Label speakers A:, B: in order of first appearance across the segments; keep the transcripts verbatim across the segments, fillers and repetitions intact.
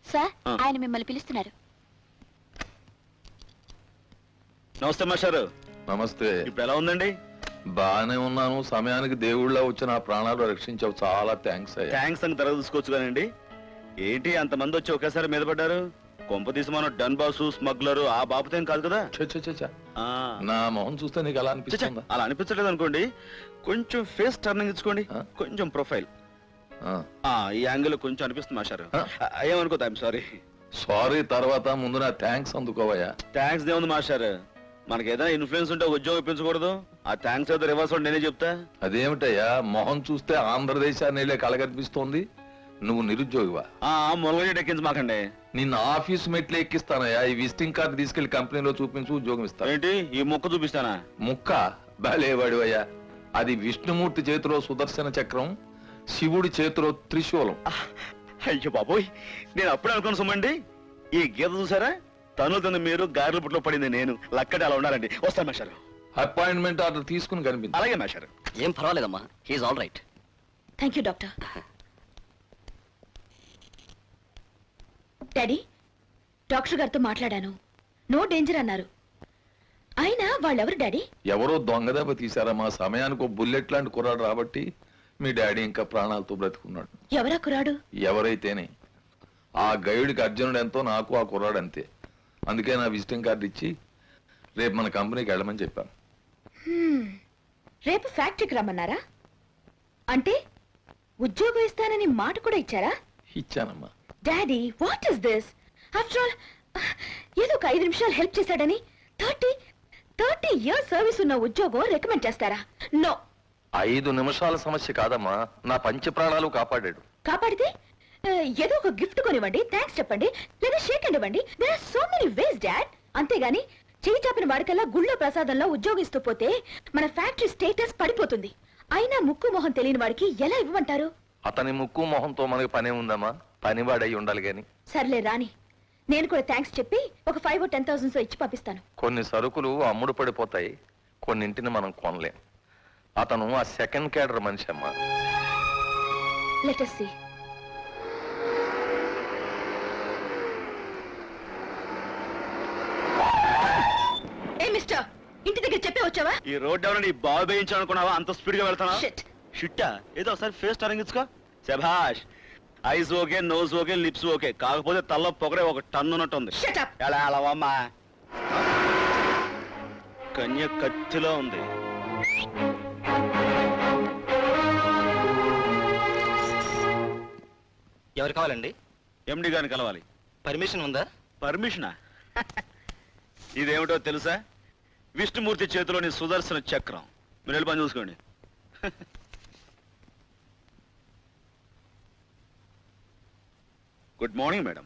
A: Sir ఆయన మిమ్మల్ని పిలుస్తున్నారు.
B: నమస్తే మాస్టారు.
C: నమస్తే.
B: ఇప్పుడు ఎలా ఉందండి?
C: బాగానే ఉన్నాను. సమయానికి దేవుళ్ళ వచ్చి నా ప్రాణాలు రక్షించావు, చాలా థ్యాంక్స్ అయ్యా.
B: థ్యాంక్స్ అని తర్వాత చూసుకోవచ్చు కానండి. ఏంటి అంతమంది వచ్చి ఒకేసారి మీద పడ్డారు? కొంప తీసి మనం డన్ బాసు స్మగ్లరు ఆ బాబుతో కాదు కదా.
C: నా మొహం చూస్తే నీకు అలా అనిపిస్తుందా?
B: అలా అనిపించలేదు అనుకోండి. కొంచెం ఫేస్ టర్నింగ్ ఇచ్చుకోండి, కొంచెం ప్రొఫైల్ ఈ యాంగిల్ కొంచెం అనిపిస్తుంది మాస్టారు. ఏమనుకోద్దు, ఐఎమ్ సారీ.
C: సారీ తర్వాత ముందు నా థ్యాంక్స్ అందుకోవయ్యా.
B: థ్యాంక్స్ దేవుంది మాస్టారు. మనకి ఏదైనా ఇన్ఫ్లుయెన్స్ ఉంటే ఉద్యోగం ఇప్పించకూడదు. ఆ థ్యాంక్స్ ఏదో రివర్స్ నేనే చెప్తా.
C: అదేమిటయ్యా, మొహం చూస్తే ఆంధ్రదేశాన్ని కళ కనిపిస్తోంది. నువ్వు నిరుద్యోగివా?
B: మొలగ ఎక్కించి మాకండి.
C: నిన్న ఆఫీస్ మెట్లు ఎక్కిస్తానయ్యా. ఈ విజిటింగ్ కార్డు తీసుకెళ్లి కంపెనీలో చూపించు, ఉద్యోగం ఇస్తాను.
B: ఏంటి ఈ ముక్క చూపిస్తానా?
C: ముక్క బాలేవాడివయ్యా. అది విష్ణుమూర్తి చేతిలో సుదర్శన చక్రం, శివుడి చేతిలో త్రిశూలం.
B: అయ్యో బాబోయ్, నేను అప్పుడే అనుకుని సుమండి. ఈ గీత చూసారా? తను తను మీరు గారెల పుట్లో పడింది నేను. లక్కడి అలా ఉండాలండి. వస్తాను మాస్టారు.
C: అపాయింట్మెంట్ ఆర్డర్ తీసుకుని కనిపించు.
B: అలాగే మాస్టారు.
D: ఏం పర్వాలేదమ్మా, he's all right.
A: Thank you doctor. Daddy, doctor గారితో మాట్లాడాను. నో డేంజర్ అన్నారు. అయినా వాళ్ళెవరు డాడీ?
C: ఎవరో దొంగదెబ్బ తీశారా? మా సమయానికి ఒక బుల్లెట్ లాంటి కుర్రాడు రాబట్టి మీ డాడీ ఇంకా ప్రాణాలతో బ్రతుకున్నాడు.
A: ఎవరా కుర్రాడు?
C: ఎవరైతేనే ఆ గైడ్కి అర్జునుడు ఎంతో, నాకు ఆ కుర్రాడు అంతే. అందుకే నా విజిటింగ్ కార్డు ఇచ్చి రేపు మన కంపెనీకి వెళ్ళమని చెప్పాను.
A: రేపు ఫ్యాక్టరీకి రమ్మన్నారా? అంటే ఉద్యోగం ఇస్తానని మాట కూడా ఇచ్చారా?
C: ఇచ్చానమ్మా.
A: Daddy, what is this? After all ఏదో ఒక ఐదు నిమిషాలు హెల్ప్ చేశాడని థర్టీ థర్టీ ఇయర్స్ సర్వీస్ ఉన్న ఉద్యోగం రికమెండ్ చేస్తారా? నో.
D: ఐదు నిమిషాల సమస్య కాదమ్మా, నా పంచ ప్రాణాలు కాపాడాడు.
A: కాపాడితే ఏదో ఒక గిఫ్ట్ కొనివ్వండి, థ్యాంక్స్ చెప్పండి, లేదా షేక్ అండ్ ఇవ్వండి. There are so many ways dad. అంతేగాని చేయి చాపిన వాడికల్లా గుళ్ళో ప్రసాదంలో ఉద్యోగిస్తూ పోతే మన ఫ్యాక్టరీ స్టేటస్ పడిపోతుంది. అయినా ముక్కు మొహం తెలియని వాడికి ఎలా ఇవ్వమంటారు?
D: అతని ముక్కు మొహంతో మనకి పనే ఉందమ్మా, పనివాడై ఉండాలి గాని.
A: సర్లే రాని, నేను కూడా థ్యాంక్స్ చెప్పి ఒక ఫైవ్ టెన్ థౌసండ్స్ ఇచ్చి పంపిస్తాను.
D: కొన్ని సరుకులు అమ్ముడు పడిపోతాయి, కొన్నింటిని మనం కొనలేం. అతను ఆ సెకండ్ క్యాడర్ మనిషి అమ్మా.
A: Let us see. ఏ మిస్టర్, ఇంటి దగ్గర చెప్పే వచ్చావా?
B: ఈ రోడ్ ఎవరైనా బాగు వేయించాలనుకున్నావా? అంత స్పీడ్ గా వెళ్తానా?
A: షిట్.
B: షిట్టా? ఏదో ఒకసారి ఫేస్ టర్నింగ్ ఇచ్చుకో. శభాష్. Eyes okay, nose okay, lips okay, కాకపోతే తల్ల పొగరే ఒక టన్ను ఉన్నట్టుంది.
A: Shut up.
B: ఎలా అలవమ్మా? కన్య కత్తిలో ఉంది.
D: ఎవరు కావాలండి?
B: ఎండి గారిని కలవాలి.
D: పర్మిషన్ ఉందా?
B: పర్మిషనా? ఇదేమిటో తెలుసా? విష్ణుమూర్తి చేతిలోని సుదర్శన చక్రం. మీరు వెళ్ళి పని చూసుకోండి. Good morning madam.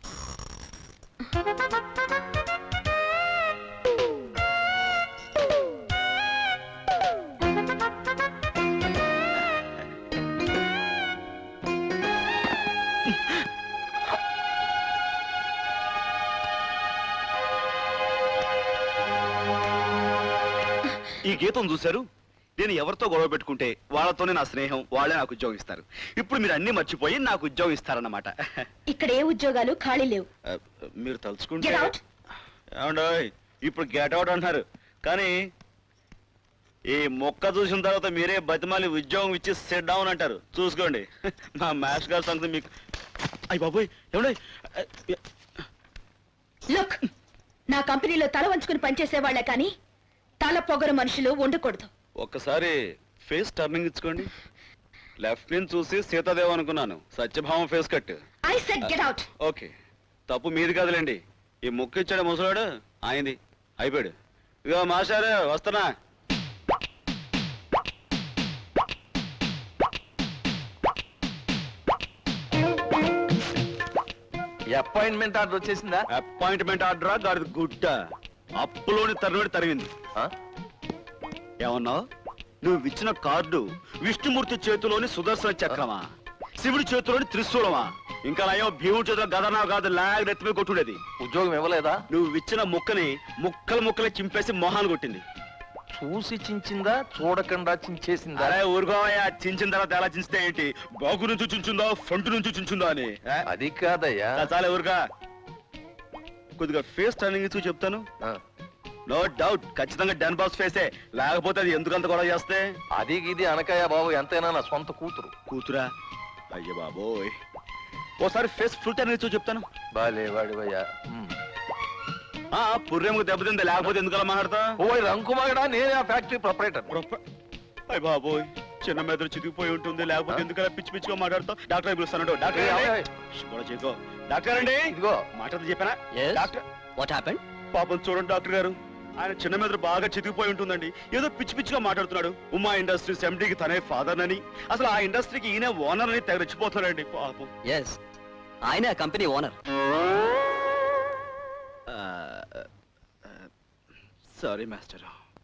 B: ఈ గీతం చూశారు? నేను ఎవరితో గొడవ పెట్టుకుంటే వాళ్ళతోనే నా స్నేహం, వాళ్ళే నాకు ఉద్యోగం ఇస్తారు. ఇప్పుడు మీరు అన్ని మర్చిపోయి నాకు ఉద్యోగం ఇస్తారన్నమాట.
A: ఇక్కడ ఏ ఉద్యోగాలు ఖాళీ లేవు.
B: మీరు తలుచుకుంటే
A: Get out.
B: ఏమండోయ్, ఇప్పుడు గెట్ అవుట్ అంటున్నారు, కానీ ఈ మొక్క చూసిన తర్వాత మీరే బతిమాలి ఉద్యోగం ఇచ్చి సెట్ డౌన్ అంటారు. చూసుకోండి. మా మ్యాథ్స్ గారి సంగతి మీకు. అయ్య బాబోయ్, ఏమండోయ్.
A: లుక్, నా కంపెనీలో తల వంచుకుని పనిచేసే వాళ్ళే కానీ తల పొగరు మనుషులు ఉండకూడదు.
B: ఒక్కసారి ఫేస్ టర్నింగ్ ఇచ్చుకోండి. లెఫ్ట్ నుంచి చూసి సీతాదేవ్ అనుకున్నాను, సత్యభావం face cut.
A: I said get out.
B: Okay, తప్పు మీది కాదులేండి. ఈ ముక్కు ఇచ్చాడు ముసలాడు, ఆయనది. అయిపోయాడు. ఇగో మాస్టారు వస్తున్నా.
D: అపాయింట్మెంట్ ఆర్డర్ వచ్చేసిందా?
B: అపాయింట్మెంట్ ఆర్డరా గాడి గుడ్డ? అప్పులోని తరుణుడి తరిగింది. ఏమన్నావు? నువ్వు ఇచ్చిన కార్డు విష్ణుమూర్తి చేతిలోని సుదర్శన చక్రమా, శివుడి చేతిలోని త్రిశూలమా, ఇంకా నయం భీముడి చేతిలో గదనా కాదు లాగ్ నెత్తిమే కొట్టుడేది.
D: ఉద్యోగం ఇవ్వలేదా?
B: నువ్వు ఇచ్చిన ముక్కని ముక్కలు ముక్కలు చింపేసి మొహాలు కొట్టింది.
D: చూసి చించిందా చూడకుండా చించేసిందా?
B: అరే ఊరుకోవయ్యా, చించిన తర్వాత ఎలా చించితే ఏంటి? బాగు నుంచి చించుందా ఫ్రంట్ నుంచి చించుందా అని ఆ?
D: అది కాదయ్యా.
B: చాలా ఊరుగా కొద్దిగా ఫేస్ టర్నింగ్ ఇచ్చి చెప్తాను.
D: ఆ,
B: నో డౌట్ ఖచ్చితంగా డన్ బాస్ ఫేసే, లేకపోతే అది ఎందుకంత గొడవ చేస్తే.
D: అది ఇది అనకయ్యా బాబు, ఎంతైనా నా సొంత కూతురు.
B: కూతురా? అయ్య బాబోయ్, ఓసారి ఫేస్ ఫుల్ టర్నింగ్ ఇచ్చి చెప్తాను.
D: బాలే వాడివయ్యా. ఉమ్.
B: ఆ పుర్రెముకు దెబ్బతింది, లేకపోతే ఎందుకలా మాట్లాడతా?
D: ఓయ్ రంకుమాగడా, నేనే ఆ ఫ్యాక్టరీ ప్రొపరేటర్.
B: అయ్య బాబోయ్, చిన్న మెదడు చితికిపోయి ఉంటుంది, లేకపోతే ఎందుకలా పిచ్చి పిచ్చిగా మాట్లాడతావు? డాక్టర్ పిలుస్తాను. డాక్టర్
D: ఏయ్, ఏయ్, ఏయ్.
B: కూడా చేయకో. డాక్టర్ అండి,
D: ఇదిగో
B: మాట్లాడుతూ చెప్పానా?
E: Yes.
B: Doctor
E: what happened?
B: పాపం చూడండి డాక్టర్ గారు, ఆయన చిన్న మెదడు బాగా చితికిపోయి ఉంటుందండి. ఏదో పిచ్చి పిచ్చిగా మాట్లాడుతున్నాడు. ఉమా ఇండస్ట్రీస్ ఎండీకి తనే ఫాదర్ అని, అసలు ఆ ఇండస్ట్రీకి ఈయన ఓనర్ అని తెగ రెచ్చిపోతున్నాడండి పాపం.
E: ఎస్, ఆయన company owner.
B: Sorry master.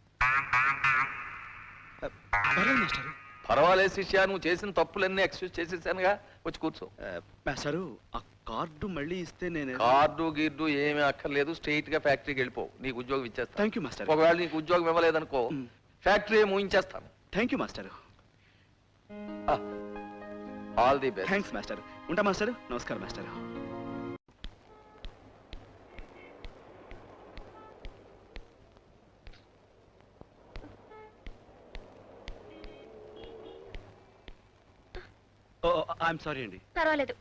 B: Master
D: పర్వాలేదు శిష్య, నువ్వు చేసిన తప్పులన్నీ ఎక్స్క్యూజ్ చేసేసానుగా, వచ్చి కూర్చో.
B: మాస్టారు, ఆ కార్డు మళ్ళీ ఇస్తే నేను.
D: కార్డు గిర్డు ఏమీ అక్కర్లేదు, స్ట్రైట్ గా ఫ్యాక్టరీకి వెళ్ళిపో, నీకు ఉద్యోగం ఇచ్చేస్తా.
B: Thank you master.
D: ఒకవేళ నీకు ఉద్యోగం ఇవ్వలేదనుకో,
B: మ్.
D: ఫ్యాక్టరీ మూయించేస్తాను.
B: Thank you master.
D: All the best.
B: Thanks master. ఉంటా మాస్టర్. నమస్కారం మాస్టర్. ఓ ఐఎమ్ సారీ అండి.
A: పర్వాలేదు.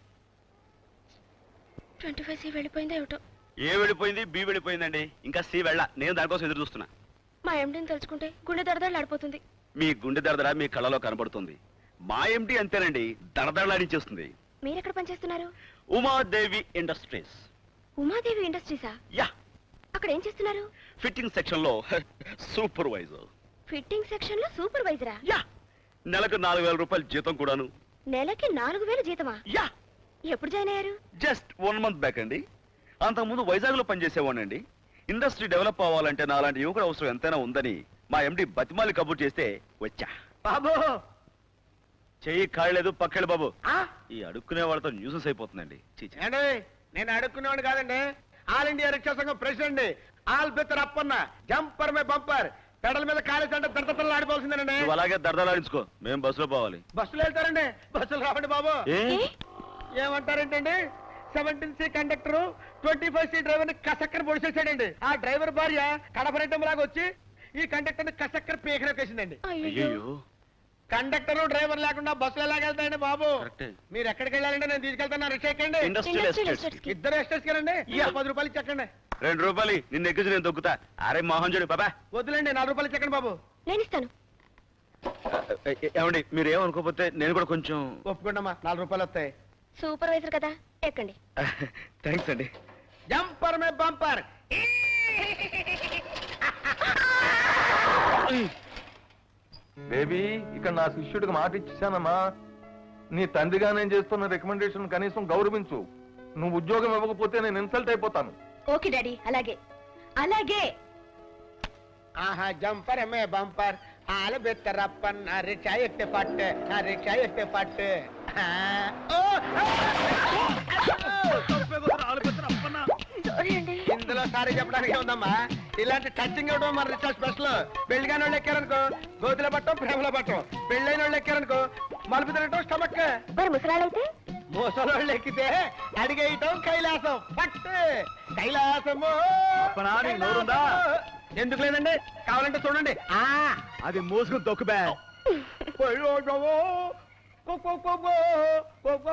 A: ట్వంటీ ఫైవ్ సి వెళ్ళిపోయిందో ఏమిటో.
B: ఏ వెళ్ళిపోయింది? బి వెళ్ళిపోయిందండి. ఇంకా సి వెళ్ళ. నేను దానికోసం ఎదురు చూస్తున్నా.
A: మా ఎండిని తలుచుకుంటే గుండె దడదడలాడిపోతుంది.
B: మీ గుండె దడదడ మీ కళ్ళలో కనబడుతుంది. మా ఎండి అంతేనండి, దడదడలాడించేస్తుంది.
A: మీరెక్కడ పనిచేస్తున్నారు?
B: ఉమాదేవి ఇండస్ట్రీస్.
A: ఉమాదేవి ఇండస్ట్రీసా?
B: యా,
A: అక్కడ ఏం చేస్తున్నారు?
B: ఫిట్టింగ్ సెక్షన్ లో సూపర్వైజర్.
A: ఫిట్టింగ్ సెక్షన్ లో సూపర్వైజరా?
B: యా, నెలకు నాలుగు వేల రూపాయలు జీతం కూడాను.
A: నెలకి నాలుగు వేలు జీతమా?
B: యా,
A: ఎప్పుడు జాయిన్ అయ్యారు?
B: జస్ట్ వన్ మంత్ బ్యాక్ అండి. అంతకుముందు వైజాగ్ లో పనిచేసేవాడినండి. ఇండస్ట్రీ డెవలప్ అవ్వాలంటే నాలాంటి యువకుడు అవసరం ఎంతైనా ఉందని మా ఎండి బతిమాలి కబుర్ చేస్తే వచ్చా.
F: బాబు
B: చెయ్యి కాయలేదు పక్కెళ్ళు బాబు. ఈ అడుక్కునే వాళ్ళతో న్యూసెన్స్ అయిపోతుందండి. చీచీ.
F: ఏండి, నేను అడుక్కునేవాడు కాదండి. ఆల్ ఇండియా రిక్షా సంఘం ప్రెసిడెంట్. ఆల్ బిత్తర్ అప్పన్న, జంపర్ మే బంపర్. పెడల మీద కాలేజ్ అంటే దడతలు ఆడిపోవాల్సిందేనండి.
B: నువ్వు అలాగే దరదలాడించుకో, మేము బస్సులో పోవాలి.
F: బస్సులు వెళ్తారండి, బస్సులు రావండి బాబు.
B: ఏ?
F: ఏమంటారేంటండి? Seventeen C conductor twenty five C driver ని కసక్కర పొడిచేసాడండి. ఆ డ్రైవర్ భార్య కడపరెడ్డం లాగా వచ్చి ఈ కండక్టర్ ని కసక్కర పీకరేసిందండి.
B: అయ్యో,
F: కండక్టర్ డ్రైవర్ లేకుండా బస్సులు ఎలాగెళ్తాయండి బాబు?
B: కరెక్టే.
F: మీరు ఎక్కడికి వెళ్ళాలంటే నేను తీసుకెళ్తాను. రిక్షా ఎక్కండి.
B: Industrial
A: industrial
B: estates.
A: ఎస్టేట్స్ కి.
F: ఇద్దరు ఎస్టేట్స్ కెళ్ళండి.
B: యా.
F: పది రూపాయలు చెక్కండి.
B: రెండు రూపాయలు నిన్ను ఎక్కించి నేను దొక్కుతా. అరే మోహన్ చూడు బాబా.
F: వద్దులేండి, నాలుగు రూపాయలు చెక్కండి బాబు.
A: నేను ఇస్తాను.
B: ఏమండి, మీరు ఏమనుకోకపోతే నేను కూడా కొంచెం.
F: ఒప్పుకోండమ్మా, నాలుగు రూపాయలు వస్తాయి.
A: సూపర్వైజర్ కదా, ఎక్కండి.
B: థ్యాంక్స్ అండి.
F: జంపర్ మే బంపర్.
D: బేబీ, ఇక్కడ నా శిష్యుడికి మాట ఇచ్చేసానమ్మా. నీ తండ్రిగా నేను చేస్తున్న రికమెండేషన్ కనీసం గౌరవించు. నువ్వు ఉద్యోగం ఇవ్వకపోతే నేను ఇన్సల్ట్ అయిపోతాను.
A: ఓకే డాడీ, అలాగే అలాగే.
F: ఆహా, జంపర్ మే బంపర్. ఆలు బెత్తరప్పన్. నా రిక్షా ఎక్కే పట్టు, నా రిక్షా ఎక్కే పట్టు. ఆ, ఓ, ఆ,
A: సారీ అండి.
F: ఇందులో సారీ చెప్పడానికి ఉందమ్మా. ఇలాంటి టచింగ్ ఇవ్వడం మన రిక్షా స్పెషల్. పెళ్లిగాని వాళ్ళు ఎక్కారనుకో గోతుల పట్టం, ప్రేమలో పట్టం. పెళ్ళైన వాళ్ళు ఎక్కారనుకో మలుపు తినటం, స్టమక్.
A: మరి ముసలాళ్ళైతే?
F: మోసలోళ్ళు ఎక్కితే అడిగేయటం కైలాసం. పట్టు కైలాసము.
B: అప్పనా, నీకు నోరుందా?
F: ఎందుకు లేదండి, కావాలంటే చూడండి. ఆ
B: అది మోసుకుని తొక్కు బ్యా.
F: పోయో, go, go, go, go, go, go.